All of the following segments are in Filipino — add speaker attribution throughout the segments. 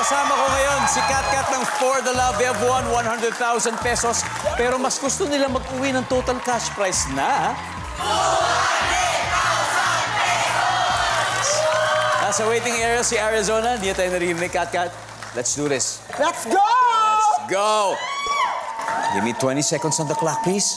Speaker 1: Kasama ko ngayon si Kat ng For the Love. They have won 100,000 pesos. Pero mas gusto nila mag-uwi ng total cash prize na... 200,000 pesos! Nasa waiting area si Arizona. Hindi tayo narinig, Kat. Let's do this.
Speaker 2: Let's go!
Speaker 1: Let's go! Give me 20 seconds on the clock, please.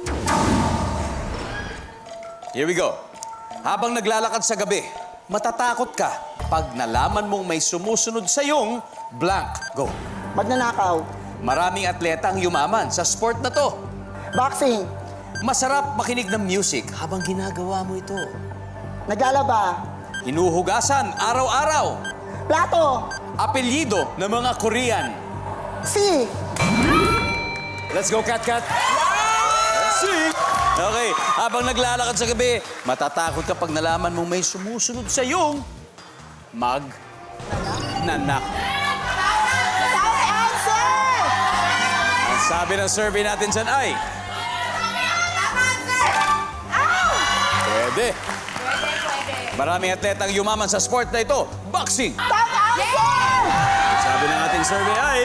Speaker 1: Here we go. Habang naglalakad sa gabi, matatakot ka pag nalaman mong may sumusunod sa iyong blank. Go.
Speaker 2: Magnanakaw.
Speaker 1: Maraming atleta ang yumaman sa sport na to.
Speaker 2: Boxing.
Speaker 1: Masarap makinig ng music habang ginagawa mo ito.
Speaker 2: Naglalaba.
Speaker 1: Hinuhugasan araw-araw.
Speaker 2: Plato.
Speaker 1: Apelyido ng mga Korean.
Speaker 2: Si.
Speaker 1: Let's go, Kat. Let's see. Okay, habang naglalakad sa gabi, matatakot ka pag nalaman mong may sumusunod sa iyong nanak.
Speaker 2: Top answer!
Speaker 1: Ang sabi ng survey natin dyan ay... Pwede. Maraming atletang yumaman sa sport na ito. Boxing.
Speaker 2: Top answer!
Speaker 1: Ang sabi ng ating survey ay...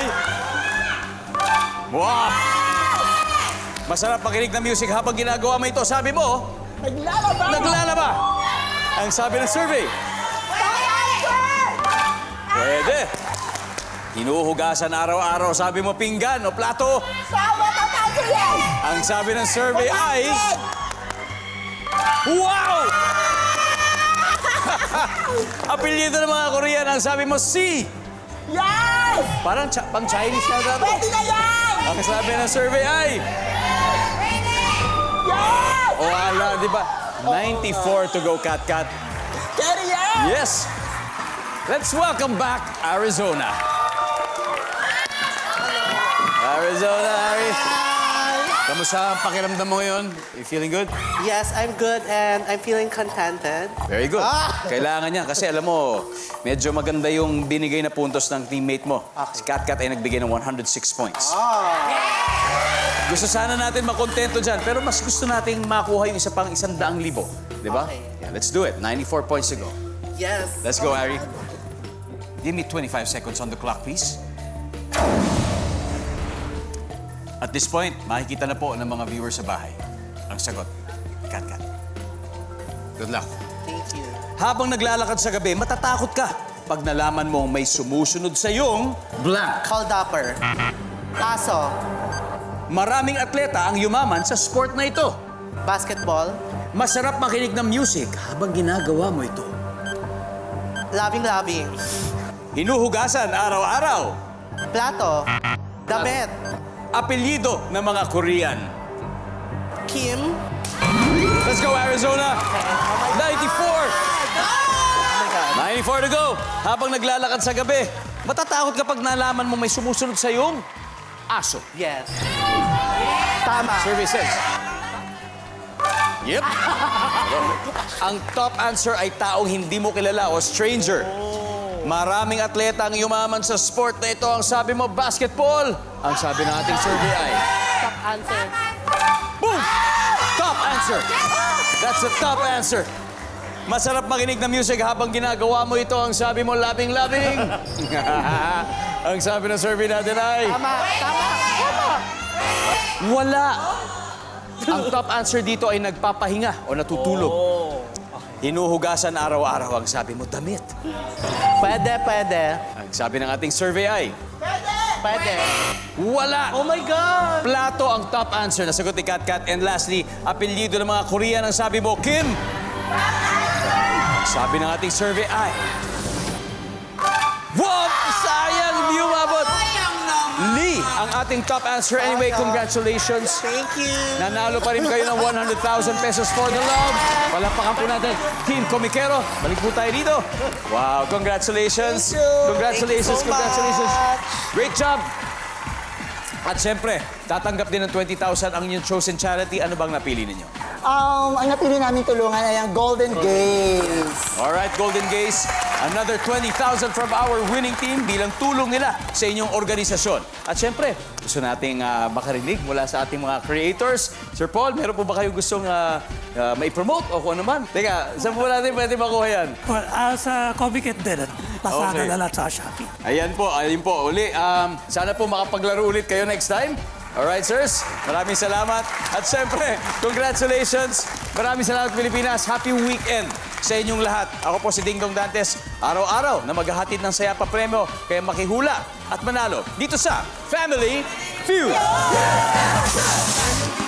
Speaker 1: Wow! Masarap makinig ng music habang ginagawa mo ito. Sabi mo,
Speaker 2: Naglalaba.
Speaker 1: naglalaba. Ang sabi ng survey,
Speaker 2: Top answer!
Speaker 1: pwede. Hinuhugasan araw-araw. Sabi mo, pinggan o plato.
Speaker 2: Tama, top answer yan!
Speaker 1: Ang sabi ng survey ay... Wow! Apelyido ng mga Korean. Ang sabi mo, si.
Speaker 2: Yes!
Speaker 1: Parang pang Chinese na daw.
Speaker 2: Pwede na yan!
Speaker 1: Ang sabi ng survey ay...
Speaker 2: Yes!
Speaker 1: O ala, di ba? 94 to go, Kat.
Speaker 2: Carry yan!
Speaker 1: Yes! Let's welcome back Arizona. Arizona, Harry. Kamusta ang pakiramdam mo ngayon? You feeling good?
Speaker 3: Yes, I'm good and I'm feeling contented.
Speaker 1: Very good. Kailangan niya kasi alam mo, medyo maganda yung binigay na puntos ng teammate mo. Si Kat ay nagbigay ng 106 points. Gusto sana natin makontento dyan, pero mas gusto nating makuha yung isa pang 100,000. Di ba?
Speaker 3: Okay.
Speaker 1: Yeah, let's do it. 94 points to go.
Speaker 3: Yes.
Speaker 1: Let's go, Harry. Give me 25 seconds on the clock, please. At this point, makikita na po ng mga viewers sa bahay ang sagot. Kat. Good luck.
Speaker 3: Thank you.
Speaker 1: Habang naglalakad sa gabi, matatakot ka pag nalaman mong may sumusunod sa iyong blank.
Speaker 3: Caldupper. Aso.
Speaker 1: Maraming atleta ang yumaman sa sport na ito.
Speaker 3: Basketball.
Speaker 1: Masarap makinig ng music habang ginagawa mo ito.
Speaker 3: Loving.
Speaker 1: Hinuhugasan araw-araw.
Speaker 3: Plato. Damit.
Speaker 1: Apelyido ng mga Korean.
Speaker 3: Kim.
Speaker 1: Let's go, Arizona! 94!
Speaker 3: Oh my God.
Speaker 1: 94 to go. Habang naglalakad sa gabi, matatakot kapag nalaman mo may sumusunod sa iyong aso.
Speaker 3: Yes. Tama.
Speaker 1: Survey says. Yep. Ang top answer ay taong hindi mo kilala o stranger. Maraming atleta ang yumaman sa sport na ito. Ang sabi mo, basketball. Ang sabi ng ating survey ay...
Speaker 3: Top answer.
Speaker 1: Boom! Top answer. That's the top answer. Masarap makinig ng music habang ginagawa mo ito. Ang sabi mo, labing-labing. Ang sabi ng survey natin ay...
Speaker 3: Tama.
Speaker 1: Wala. Ang top answer dito ay nagpapahinga o natutulog. Hinuhugasan araw-araw. Ang sabi mo, damit.
Speaker 3: Pwede.
Speaker 1: Ang sabi ng ating survey ay...
Speaker 3: Pwede.
Speaker 1: Wala.
Speaker 3: Oh my God.
Speaker 1: Plato ang top answer. Nasagot ni Kat. And lastly, apelyido ng mga Korean. Ang sabi mo, Kim. Sabi ng ating survey ay... Wow! Sayang! Hindi umabot. Lee, ang ating top answer. Anyway, congratulations.
Speaker 3: Thank you.
Speaker 1: Nanalo pa rin kayo ng 100,000 pesos for the love. Palakpakan po natin. Team Komikero, balik po tayo dito. Wow, congratulations.
Speaker 3: Thank you.
Speaker 1: Congratulations,
Speaker 3: Thank you so
Speaker 1: congratulations.
Speaker 3: much.
Speaker 1: Great job. At siyempre, tatanggap din ng 20,000 ang inyong chosen charity. Ano bang napili ninyo?
Speaker 2: Ang napili namin tulungan ay ang Golden Gaze.
Speaker 1: Alright, Golden Gaze. Another 20,000 from our winning team bilang tulong nila sa inyong organisasyon. At siyempre, gusto nating makarinig mula sa ating mga creators. Sir Paul, meron po ba kayo gustong mai-promote o kung ano man? Teka, saan po natin pwede makuha yan?
Speaker 4: Well, sa Comiket din. Lazada
Speaker 1: Okay.
Speaker 4: na lang sa Shopee.
Speaker 1: Ayun po. Uli, sana po makapaglaro ulit kayo next time. Alright, sirs. Maraming salamat. At syempre, congratulations. Maraming salamat, Pilipinas. Happy weekend sa inyong lahat. Ako po si Ding Dong Dantes. Araw-araw na maghahatid ng saya pa premyo. Kaya makihula at manalo dito sa Family Feud.